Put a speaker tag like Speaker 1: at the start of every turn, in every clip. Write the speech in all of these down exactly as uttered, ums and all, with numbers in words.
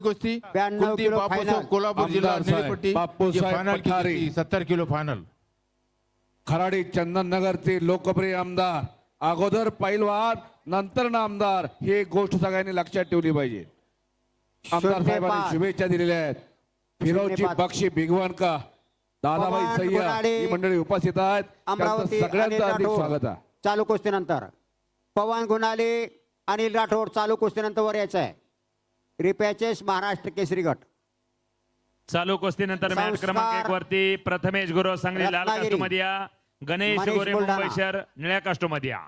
Speaker 1: कुस्ती
Speaker 2: ब्याण्णव
Speaker 1: Kuldeep
Speaker 2: kilo
Speaker 1: Bapusaheb
Speaker 2: final.
Speaker 1: Kolhapur जिल्हा
Speaker 3: आमदार साहेब,
Speaker 1: निळेपट्टी
Speaker 3: बापूसाहेब
Speaker 1: फायनल की
Speaker 3: पठारे.
Speaker 1: कुस्ती सत्तर किलो फायनल.
Speaker 3: खराडी चंदननगरचे लोकप्रिय आमदार, अगोदर पैलवान नंतर नामदार, ही गोष्ट सगळ्यांनी लक्षात ठेवली पाहिजे. आमदार
Speaker 2: शून्य
Speaker 3: साहेबांनी
Speaker 2: पाच.
Speaker 3: शुभेच्छा दिलेल्या आहेत. फिरोजी
Speaker 2: शून्य पाच.
Speaker 3: बक्षी भिगवण का दादाबाई
Speaker 2: पवन
Speaker 3: सय्या
Speaker 2: गुराडे,
Speaker 3: ही मंडळी उपस्थित आहेत. त्यांचं
Speaker 2: अमरावती
Speaker 3: सगळ्यांचं
Speaker 2: अनिल
Speaker 3: हार्दिक
Speaker 2: राठोड.
Speaker 3: स्वागत आहे.
Speaker 2: चालू कुस्तीनंतर पवन गुणाले अनिल राठोड चालू कुस्तीनंतर वर यायचं आहे. रिपॅचेस महाराष्ट्र केसरी गट.
Speaker 4: चालू कुस्तीनंतर मॅच
Speaker 2: संस्कार.
Speaker 4: क्रमांक एक वरती प्रथमेश गुरु सांगली लाल
Speaker 2: रत्नागिरी.
Speaker 4: कास्टोमध्ये या, गणेश
Speaker 2: मनीष
Speaker 4: गोरे
Speaker 2: बुलढाणा.
Speaker 4: मुंबई शहर निळ्या कास्टोमध्ये या.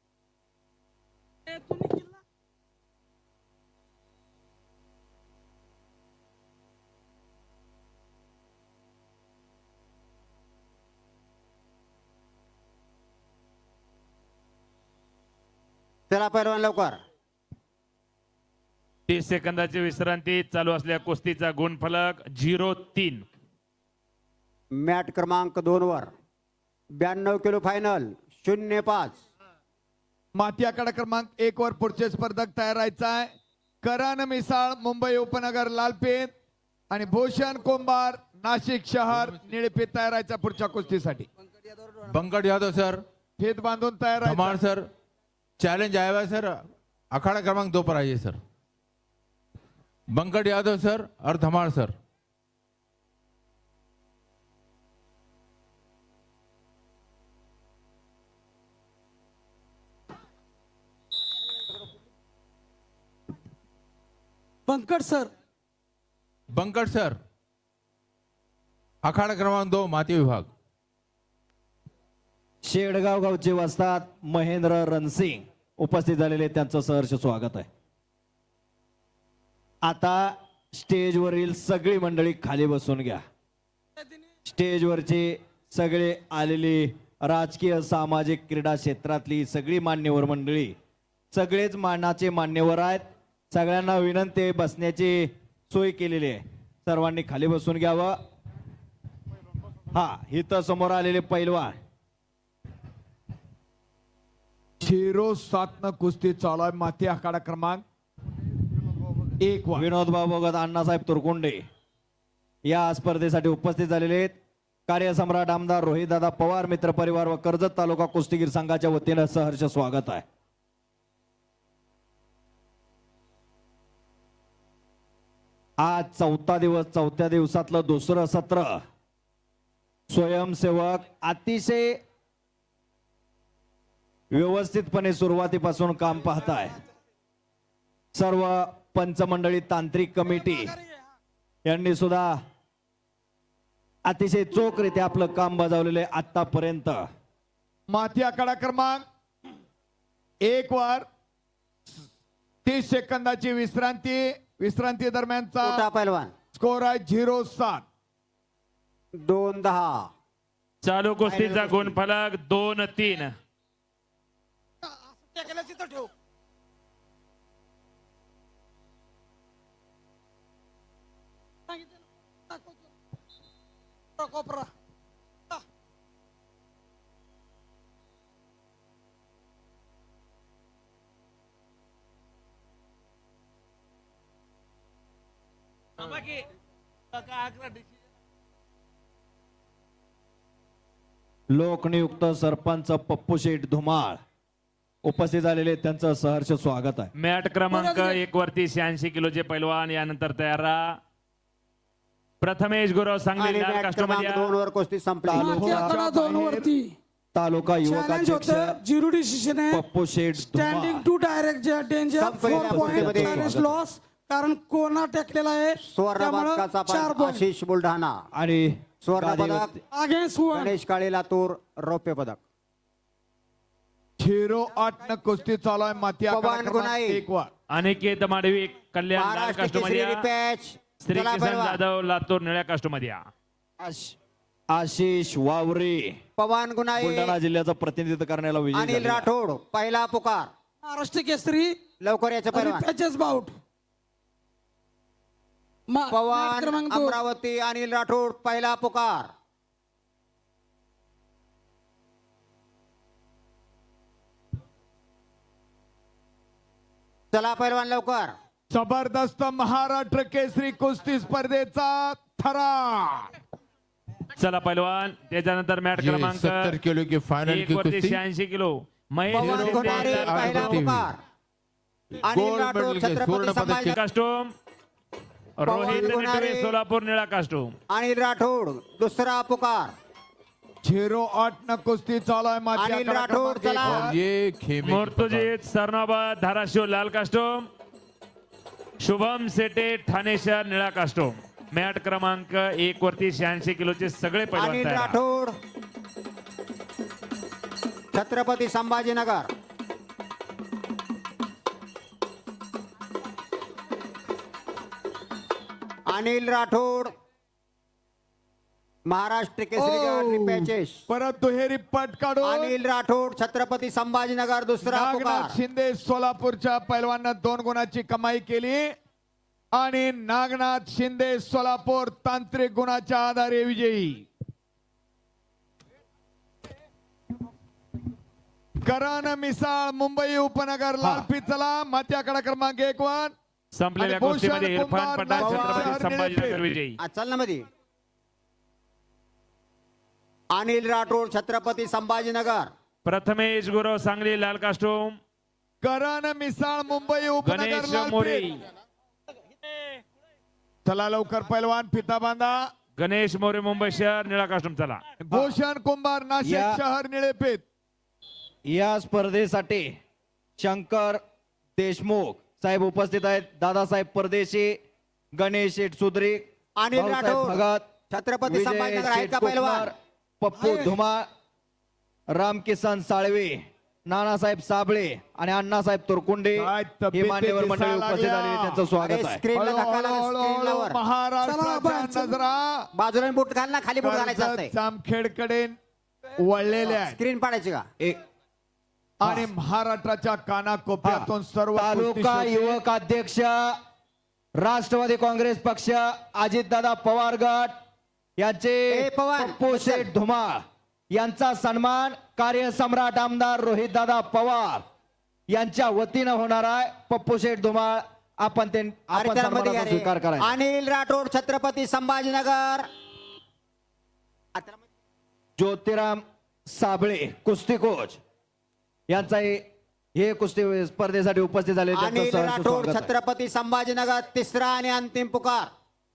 Speaker 2: चला पैलवान लवकर.
Speaker 4: तीस सेकंदाची विश्रांती. चालू असलेल्या कुस्तीचा गुणफलक झिरो तीन.
Speaker 2: मॅट क्रमांक दोन वर ब्याण्णव किलो फायनल शून्य पाच.
Speaker 5: माती आखाडा क्रमांक एक वर पुढचे स्पर्धक तयार राहायचा आहे. करण मिसाळ मुंबई उपनगर लालपेठ आणि भूषण कोंबार नाशिक शहर निळपेठ तयार राहायचा पुढच्या कुस्तीसाठी.
Speaker 1: बंकट यादव सर,
Speaker 5: फेद बांधून तयार राहायचं.
Speaker 1: धमाल सर, चैलेंज आया हुआ है सर, अखाड़ा क्रमांक दो पर आइए सर. बंकट यादव सर और Dhamal sir.
Speaker 6: Bankat sir.
Speaker 1: Bankat sir, अखाड़ा क्रमांक दो माती विभाग.
Speaker 7: शेडगाव गावचे वस्ताद महेंद्र रणसिंग उपस्थित झालेले, त्यांचं सहर्ष स्वागत आहे. आता स्टेजवरील सगळी मंडळी खाली बसून घ्या. स्टेजवरचे सगळे आलेली राजकीय सामाजिक क्रीडा क्षेत्रातली सगळी मान्यवर मंडळी, सगळेच मानाचे मान्यवर आहेत. सगळ्यांना विनंती आहे, बसण्याची सोय केलेली आहे. सर्वांनी खाली बसून घ्यावं. हा इथं समोर आलेले पैलवान
Speaker 5: झिरो सात न कुस्ती चालू आहे. माती आखाडा क्रमांक एक वर
Speaker 7: विनोद बाबोगत, अण्णासाहेब तुरकुंडे या स्पर्धेसाठी उपस्थित झालेले आहेत. कार्यसम्राट आमदार रोहितदादा पवार मित्र परिवार व कर्जत तालुका कुस्तीगीर संघाच्या वतीनं सहर्ष स्वागत आहे. आज चौथा दिवस, चौथ्या दिवसातलं दुसरं सत्र. स्वयंसेवक अतिशय व्यवस्थितपणे सुरुवातीपासून काम पाहताय. सर्व पंचमंडळी तांत्रिक कमिटी यांनी सुद्धा अतिशय चोखरीत्या आपलं काम बजावलेले आतापर्यंत.
Speaker 5: माती आखाडा क्रमांक एक वर तीस सेकंदाची विश्रांती. विश्रांती
Speaker 2: मोठा
Speaker 5: दरम्यानचा
Speaker 2: पैलवान
Speaker 5: स्कोर आहे झिरो सात.
Speaker 2: दोन दहा.
Speaker 4: चालू कुस्तीचा गुणफलक दोन तीन.
Speaker 7: लोकनियुक्त सरपंच पप्पू शेठ धुमाळ उपस्थित झालेले, त्यांचं सहर्ष स्वागत आहे.
Speaker 4: मॅट क्रमांक एक वरती शहाऐंशी किलोचे पैलवान यानंतर तयार राहा. प्रथमेश गुरु सांगली
Speaker 2: आणि
Speaker 4: लाल
Speaker 2: मॅट
Speaker 4: कास्टोमध्ये
Speaker 2: क्रमांक
Speaker 4: या.
Speaker 2: दोन वर कुस्ती संपली.
Speaker 6: माती आखाडा दोन वरती
Speaker 7: तालुका युवक
Speaker 6: चॅलेंज
Speaker 7: अध्यक्ष
Speaker 6: होतं. झिरो डिसिजन आहे.
Speaker 7: पप्पू शेठ
Speaker 6: standing
Speaker 7: Dhumal
Speaker 6: two direct danger
Speaker 2: संपलेल्या
Speaker 6: फोर पॉईंट
Speaker 2: कुस्तीमध्ये
Speaker 6: चॅलेंज लॉस, कारण कोणा टेकलेला आहे
Speaker 2: सुवर्ण
Speaker 6: त्यामुळं
Speaker 2: पदकाचा
Speaker 6: चार
Speaker 2: पण
Speaker 6: पॉईंट.
Speaker 2: आशिष बुलढाणा.
Speaker 7: आणि
Speaker 2: सुवर्ण
Speaker 7: गादीवर-
Speaker 2: पदक
Speaker 6: अगेन्स्ट वन.
Speaker 2: गणेश काळे लातूर रौप्य पदक.
Speaker 5: झिरो आठ न कुस्ती चालू आहे. माती आखाडा
Speaker 2: पवन
Speaker 5: क्रमांक
Speaker 2: गुनाई.
Speaker 5: एक वर
Speaker 4: अनिकेत माडवी कल्याण लाल
Speaker 2: महाराष्ट्र
Speaker 4: कास्टोमध्ये
Speaker 2: केसरी
Speaker 4: या.
Speaker 2: रिपॅच.
Speaker 4: श्री
Speaker 2: चला
Speaker 4: किसन
Speaker 2: पैलवान.
Speaker 4: जाधव लातूर निळ्या कास्टोमध्ये या.
Speaker 7: आश- आशिष वावरे
Speaker 2: पवन गुनाई.
Speaker 7: बुलढाणा जिल्ह्याचं प्रतिनिधित्व करण्याला विजयी
Speaker 2: अनिल
Speaker 7: झालेला आहे.
Speaker 2: राठोड पहिला पुकार.
Speaker 6: महाराष्ट्र केसरी
Speaker 2: लवकर याचं पैलवान.
Speaker 6: Patches bout. मा- मॅट
Speaker 2: पवन
Speaker 6: क्रमांक दोन.
Speaker 2: अमरावती अनिल राठोड पहिला पुकार. चला पैलवान लवकर.
Speaker 5: जबरदस्त महाराष्ट्र केसरी कुस्ती स्पर्धेचा थरा.
Speaker 4: चला पैलवान त्याच्यानंतर मॅट
Speaker 1: ये
Speaker 4: क्रमांक
Speaker 1: सत्तर किलो की फाइनल
Speaker 4: एक
Speaker 1: की
Speaker 4: वरती
Speaker 1: कुस्ती
Speaker 4: शहाऐंशी किलो महेश
Speaker 2: पवन
Speaker 4: शिंदे
Speaker 2: गुणाले
Speaker 1: आगे
Speaker 2: पहिला
Speaker 1: बढ़ती हुई.
Speaker 2: पुकार. अनिल
Speaker 1: गोल्ड
Speaker 2: राठोड
Speaker 1: मेडल के
Speaker 2: छत्रपती
Speaker 1: स्वर्ण पदक
Speaker 2: संभाजी
Speaker 1: के
Speaker 4: कास्टोम रोहित
Speaker 2: गुणारे.
Speaker 4: निटवे सोलापूर निळा कास्टोम
Speaker 2: अनिल राठोड दुसरा पुकार.
Speaker 5: झिरो आठ न कुस्ती चालू आहे माती
Speaker 2: अनिल
Speaker 5: आखाडा
Speaker 2: राठोड,
Speaker 5: क्रमांक
Speaker 2: चला.
Speaker 5: एक वर.
Speaker 1: और ये खेमे की
Speaker 4: मुर्तुजीत सरनाबाद धाराशिव लाल कास्टोम शुभम सेटे ठाणे शहर निळा कास्टोम मॅट क्रमांक एक वरती शहाऐंशी किलोचे सगळे पैलवान
Speaker 2: अनिल
Speaker 4: तयार.
Speaker 2: राठोड छत्रपती संभाजीनगर. अनिल राठोड महाराष्ट्र केसरी गाठ रिपॅचेस.
Speaker 5: परत दुहेरी पट काढून
Speaker 2: अनिल राठोड छत्रपती संभाजीनगर दुसरा
Speaker 5: नागनाथ
Speaker 2: पुकार.
Speaker 5: शिंदे सोलापूरच्या पैलवांना दोन गुणाची कमाई केली आणि नागनाथ शिंदे सोलापूर तांत्रिक गुणाच्या आधारे विजयी. करण मिसाळ मुंबई उपनगर लालपी चला माती आखाडा क्रमांक एक वर.
Speaker 4: संपलेल्या
Speaker 5: आणि भूषण
Speaker 4: कुस्तीमध्ये इरफान
Speaker 5: कुमार
Speaker 4: पठाण
Speaker 2: नाशिक
Speaker 4: छत्रपती
Speaker 5: शहर
Speaker 4: संभाजीनगर
Speaker 5: निळेपेठ.
Speaker 4: विजयी.
Speaker 2: आ, चल ना मध्ये. अनिल राठोड छत्रपती संभाजीनगर.
Speaker 4: प्रथमेश गुरव सांगली लाल कास्टोम
Speaker 5: करण मिसाळ मुंबई उपनगर
Speaker 4: गणेश मोरे
Speaker 5: लालपेठ. चला लवकर पैलवान फिता बांधा.
Speaker 4: गणेश मोरे मुंबई शहर निळा कास्टोम चला.
Speaker 5: भूषण कुंभार नाशिक
Speaker 7: या-
Speaker 5: शहर निळेपेठ.
Speaker 7: या स्पर्धेसाठी शंकर देशमुख साहेब उपस्थित आहेत. दादासाहेब परदेशी, गणेश शेठ सुद्री,
Speaker 2: अनिल
Speaker 7: भाऊसाहेब
Speaker 2: राठोड
Speaker 7: भगत,
Speaker 2: छत्रपती
Speaker 7: विजय
Speaker 2: संभाजीनगर आहेत का
Speaker 7: शेठ
Speaker 2: पैलवान?
Speaker 7: कोकणार, पप्पू धुमाळ, रामकिसन साळवे, नानासाहेब साबळे आणि अण्णासाहेब तुरकुंडे
Speaker 5: काय
Speaker 7: हे
Speaker 5: तब्येती
Speaker 7: मान्यवर मंडळी
Speaker 5: दिसायला
Speaker 7: उपस्थित
Speaker 5: लागल्या.
Speaker 7: झालेले त्यांचं
Speaker 2: अरे
Speaker 7: स्वागत आहे.
Speaker 2: स्क्रीनला
Speaker 5: हळू-
Speaker 2: धक्का
Speaker 5: हळू-
Speaker 2: लागला,
Speaker 5: हळू-
Speaker 2: स्क्रीनला
Speaker 5: हळू
Speaker 2: वर.
Speaker 6: चला,
Speaker 5: महाराष्ट्राच्या
Speaker 6: बाहेर.
Speaker 5: नजरा
Speaker 2: बाजूला बूट घाल ना, खाली बूट घालायचं असतंय.
Speaker 5: कर्जत जामखेडकडे वळलेल्या आहेत
Speaker 2: स्क्रीन पाडायची का?
Speaker 7: एक
Speaker 5: आणि महाराष्ट्राच्या कानाकोपऱ्यातून सर्व
Speaker 7: तालुका
Speaker 5: कुस्ती
Speaker 7: युवक अध्यक्ष राष्ट्रवादी काँग्रेस पक्ष अजितदादा पवार गट यांचे
Speaker 2: ए, पवार,
Speaker 7: पप्पू
Speaker 2: बसल.
Speaker 7: शेठ धुमाळ यांचा सन्मान कार्यसम्राट आमदार रोहितदादा पवार यांच्या वतीनं होणार आहे. पप्पू शेठ धुमाळ आपण ते
Speaker 2: अरे
Speaker 7: आपण
Speaker 2: त्याला मध्ये
Speaker 7: सन्मानाचा
Speaker 2: घ्या रे.
Speaker 7: स्वीकार करायचा.
Speaker 2: अनिल राठोड छत्रपती संभाजीनगर. आ, त्याला मध्ये-
Speaker 7: ज्योतिराम साबळे कुस्ती कोच यांचा हे हे कुस्ती स्पर्धेसाठी उपस्थित झाले त्यांचं
Speaker 2: अनिल
Speaker 7: सहर्ष
Speaker 2: राठोड
Speaker 7: स्वागत आहे.
Speaker 2: छत्रपती संभाजीनगर तिसरा आणि अंतिम पुकार.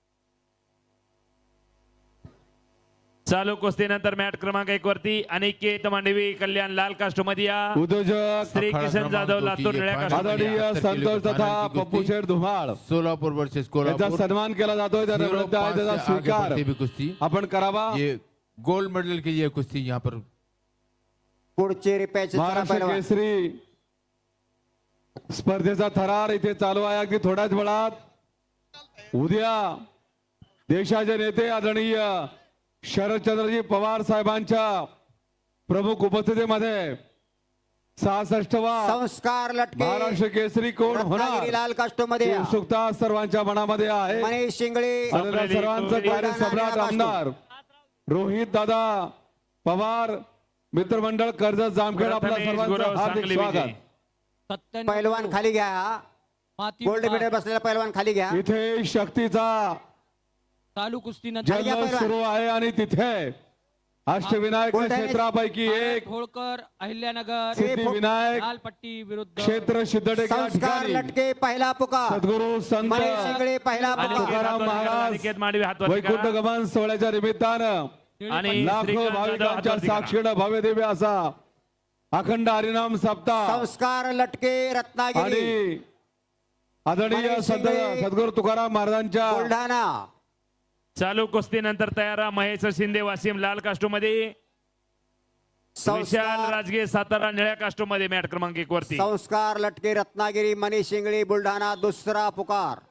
Speaker 4: चालू कुस्तीनंतर मॅट क्रमांक एक वरती अनिकेत मांडवी कल्याण लाल कास्टोम मध्ये या.
Speaker 3: उद्योजक
Speaker 4: श्री
Speaker 1: अखाड़ा
Speaker 4: किशन
Speaker 1: क्रमांक
Speaker 4: जाधव
Speaker 1: दो
Speaker 4: लातूर
Speaker 1: की ये
Speaker 4: निळ्या
Speaker 1: फाइनल
Speaker 4: कास्टोम मध्ये
Speaker 3: आदरणीय
Speaker 4: या.
Speaker 1: सत्तर किलो
Speaker 3: संतोष
Speaker 1: की
Speaker 3: तथा
Speaker 1: फाइनल की
Speaker 3: पप्पू
Speaker 1: कुस्ती.
Speaker 3: शेठ धुमाळ
Speaker 1: सोलापुर वर्सेस
Speaker 3: याचा
Speaker 1: कोल्हापुर.
Speaker 3: सन्मान केला जातोय त्याचा
Speaker 1: झिरो
Speaker 3: नृत्य आहे
Speaker 1: पाच
Speaker 3: त्याचा
Speaker 1: से आगे
Speaker 3: स्वीकार
Speaker 1: बढ़ती हुई कुस्ती.
Speaker 3: आपण करावा.
Speaker 1: ये गोल्ड मेडल की ये कुस्ती यहाँ पर
Speaker 2: पुढचे रिपॅच
Speaker 3: महाराष्ट्र केसरी स्पर्धेचा थरार इथे चालू आहे. अगदी थोड्याच वेळात उद्या देशाचे नेते आदरणीय शरदचंद्रजी पवार साहेबांच्या प्रमुख उपस्थितीमध्ये सहासष्टवा
Speaker 2: संस्कार लटके
Speaker 3: महाराष्ट्र केसरी कोण
Speaker 2: रत्नागिरी
Speaker 3: होणार
Speaker 2: लाल कास्टोमध्ये
Speaker 3: ही
Speaker 2: या.
Speaker 3: उत्सुकता सर्वांच्या मनामध्ये आहे.
Speaker 2: मनीष शिंगळे
Speaker 3: आणि त्या सर्वांचं कार्य सम्राट आमदार रोहित दादा पवार मित्रमंडळ कर्जत जामखेड आपल्या
Speaker 4: प्रथमेश
Speaker 3: सर्वांचं
Speaker 4: गुरव
Speaker 3: हार्दिक
Speaker 4: सांगली
Speaker 3: स्वागत.
Speaker 4: विजयी.
Speaker 2: पैलवान खाली घ्या. गोल्ड मेडल बसलेला पैलवान खाली घ्या.
Speaker 3: इथे शक्तीचा
Speaker 6: चालू कुस्ती
Speaker 2: खाली घ्या
Speaker 3: जल्लोष
Speaker 2: पैलवान.
Speaker 3: सुरू आहे आणि तिथे अष्टविनायक
Speaker 2: बुलढाणा-
Speaker 3: क्षेत्रापैकी एक
Speaker 6: होळकर अहिल्यानगर
Speaker 3: सिद्धिविनायक
Speaker 6: लालपट्टी विरुद्ध
Speaker 3: क्षेत्र सिद्धटेक या
Speaker 2: संस्कार
Speaker 3: ठिकाणी
Speaker 2: लटके पहिला पुकार.
Speaker 3: सद्गुरू संत
Speaker 2: मनीष शिंगळे पहिला
Speaker 4: अनिकेत
Speaker 2: पुकार.
Speaker 3: तुकाराम
Speaker 4: हातवरती करा,
Speaker 3: महाराज
Speaker 4: अनिकेत मांडवी हातवरती
Speaker 3: वैकुंठ
Speaker 4: करा.
Speaker 3: गमन सोहळ्याच्या निमित्तानं
Speaker 4: आणि
Speaker 3: लाखो
Speaker 4: श्रीकांत जाधव
Speaker 3: भाविकांच्या
Speaker 4: हातवरती करा.
Speaker 3: साक्षीनं भव्य दिव्य असा अखंड हरिनाम सप्ताह
Speaker 2: संस्कार लटके रत्नागिरी
Speaker 3: आणि आदरणीय
Speaker 2: मनीष
Speaker 3: संत
Speaker 2: शिंदे,
Speaker 3: सद्गुरू तुकाराम महाराजांच्या
Speaker 2: बुलढाणा.
Speaker 4: चालू कुस्तीनंतर तयार महेश शिंदे वासिम लाल कास्टोम मध्ये विशाल
Speaker 2: संस्कार
Speaker 4: राजगे सातारा निळ्या कास्टोम मध्ये मॅट क्रमांक एक वरती.
Speaker 2: संस्कार लटके रत्नागिरी मनीष शिंगळे बुलढाणा दुसरा पुकार.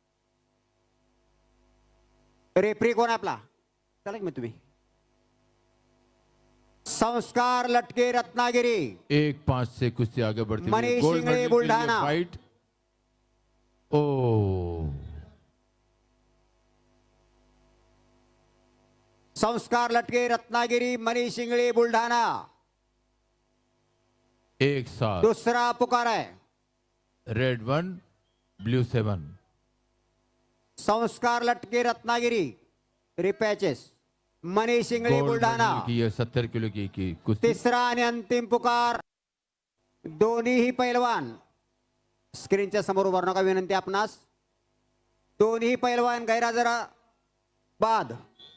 Speaker 2: रेफरी कोण आपला चला की मग तुम्ही. संस्कार लटके रत्नागिरी
Speaker 1: एक पांच से कुश्ती आगे बढ़ती हुई
Speaker 2: मनीष
Speaker 1: गोल्ड
Speaker 2: शिंगड़े,
Speaker 1: मेडल के लिए
Speaker 2: बुल्ढाना।
Speaker 1: फाइट. ओ
Speaker 2: संस्कार लटके रत्नागिरी मनीष शिंगळे बुलढाणा
Speaker 1: एक साथ
Speaker 2: दुसरा पुकार आहे.
Speaker 1: Red one blue seven.
Speaker 2: Sanskar Latke Ratnagiri repechage Manish Ingle
Speaker 1: gold
Speaker 2: Buldhana
Speaker 1: medal की ये सत्तर किलो की, की कुश्ती।
Speaker 2: तिसरा आणि अंतिम पुकार दोन्हीही पैलवान स्क्रीनच्या समोर उभारू नका विनंती आपणास। दोन्ही पैलवान गैरहजरा बाद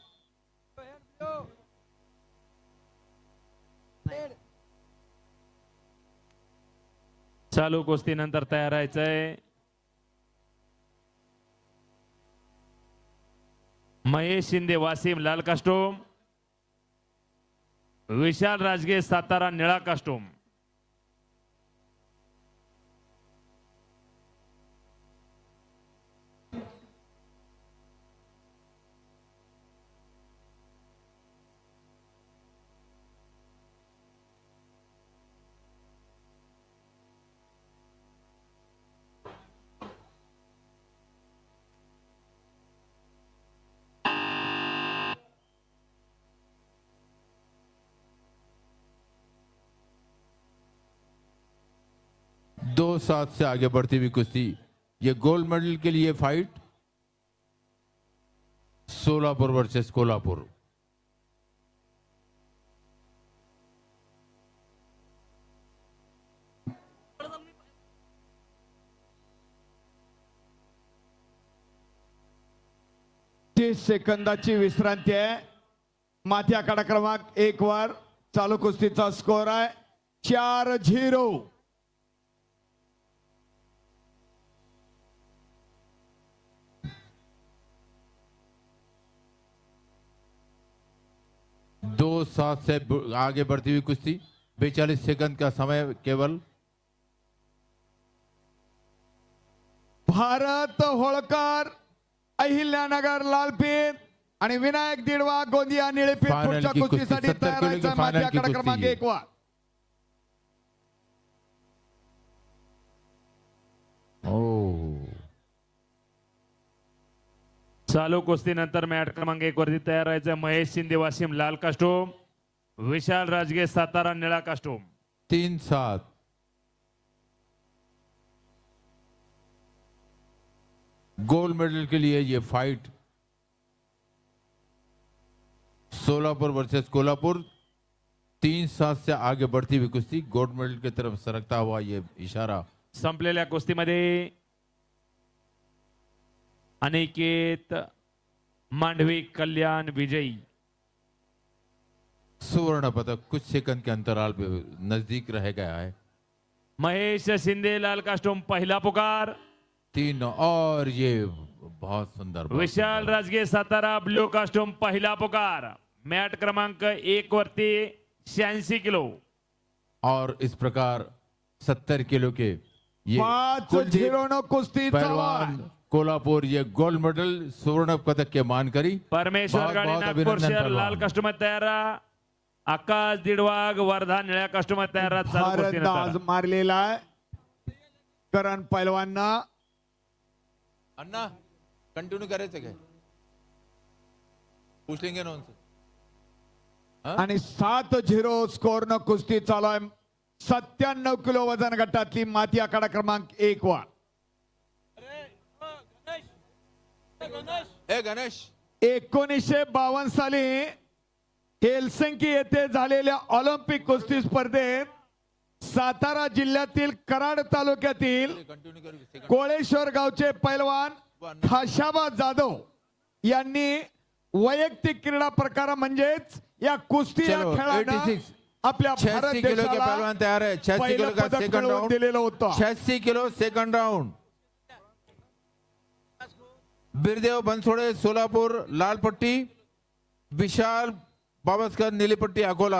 Speaker 4: चालू कुस्तीनंतर तयार राहायचंय महेश शिंदे वासिम लाल कास्टोम, विशाल राजगे सातारा निळा कास्टोम।
Speaker 1: दो सात से आगे बढ़ती हुई कुश्ती। ये गोल्ड मेडल के लिए फाइट सोलापुर वर्सेस कोल्हापुर।
Speaker 5: तीस सेकंदाची विश्रांती आहे। माथी आखाडा क्रमांक एक वर चालू कुस्तीचा स्कोर आहे चार झिरो।
Speaker 1: दो सात से ब- आगे बढ़ती हुई कुश्ती। बेचालीस सेकंड का समय केवल।
Speaker 5: भारत होळकर अहिल्यानगर लालपेठ आणि विनायक दिडवा गोंदिया निळेपेठ
Speaker 1: फायनल
Speaker 5: पुढच्या
Speaker 1: की कुस्ती,
Speaker 5: कुस्तीसाठी
Speaker 1: सत्तर
Speaker 5: तयार
Speaker 1: किलो की
Speaker 5: राहायचं
Speaker 1: फायनल
Speaker 5: माथी
Speaker 1: की
Speaker 5: आखाडा
Speaker 1: कुस्ती
Speaker 5: क्रमांक
Speaker 1: है।
Speaker 5: एक वर।
Speaker 1: ओ
Speaker 4: चालू कुस्तीनंतर मॅट क्रमांक एक वरती तयार राहायचं महेश शिंदे वासिम लाल कास्टोम, विशाल राजगे सातारा निळा कास्टोम।
Speaker 1: तीन सात। गोल्ड मेडल के लिए ये फाइट सोलापुर वर्सेस कोल्हापुर। तीन सात से आगे बढ़ती हुई कुश्ती। गोल्ड मेडल की तरफ सरकता हुआ ये इशारा।
Speaker 4: संपलेल्या कुस्तीमध्ये अनिकेत मांडवी कल्याण विजयी।
Speaker 1: स्वर्ण पदक कुछ सेकंड के अंतराल पे नजदीक रह गया है।
Speaker 4: महेश शिंदे लाल कास्टोम पहिला पुकार,
Speaker 1: तीन और ये बहुत सुंदर बहुत
Speaker 4: विशाल
Speaker 1: सुंदर।
Speaker 4: राजगे सातारा ब्ल्यू कास्टोम पहिला पुकार। मॅट क्रमांक एक वरती शहाऐंशी किलो।
Speaker 1: और इस प्रकार सत्तर किलो के ये
Speaker 5: पाच
Speaker 1: कुलदीप
Speaker 5: झिरो न कुस्ती चालू
Speaker 1: पहलवान
Speaker 5: आहे।
Speaker 1: कोल्हापुर ये गोल्ड मेडल स्वर्ण पदक के मान करी।
Speaker 4: परमेश्वर
Speaker 1: बहुत-
Speaker 4: गाडी
Speaker 1: बहुत
Speaker 4: नागपूर
Speaker 1: अभिनंदन
Speaker 4: शहर
Speaker 1: पहलवान।
Speaker 4: लाल कास्टोम तयार राहा। आकाश दिडवाग वर्धा निळ्या कास्टोम तयार राहा। चालू
Speaker 5: भारत दाज
Speaker 4: कुस्तीनंतर
Speaker 5: मारलेला आहे करण पैलवांना।
Speaker 1: अन्ना कंटिन्यू करायचं काय पूछ लेंगे ना उनसे।
Speaker 5: आणि सात झिरो स्कोर न कुस्ती चालू आहे सत्त्याण्णव किलो वजन गटातली माती आखाडा क्रमांक एक वर।
Speaker 1: ए गणेश
Speaker 5: एकोणीसशे बावन्न साली हेलसिंकी येथे झालेल्या ऑलिम्पिक कुस्ती स्पर्धेत सातारा जिल्ह्यातील कराड तालुक्यातील
Speaker 1: कंटिन्यू करू।
Speaker 5: कोळेश्वर गावचे पैलवान खाशाबा जाधव यांनी वैयक्तिक क्रीडा प्रकार म्हणजेच या कुस्ती या
Speaker 1: चलो,
Speaker 5: खेळानं
Speaker 1: छियासी
Speaker 5: आपल्या भारत
Speaker 1: छियासी किलो के
Speaker 5: देशाला
Speaker 1: पहलवान तैयार है। छियासी
Speaker 5: पहिलं
Speaker 1: किलो का
Speaker 5: पदक
Speaker 1: सेकंड
Speaker 5: मिळवून
Speaker 1: राउंड।
Speaker 5: दिलेलं होतं।
Speaker 1: छियासी किलो सेकंड राउंड। बिरदेव बनसोडे सोलापुर लाल पट्टी, विशाल बावस्कर नीली पट्टी अकोला।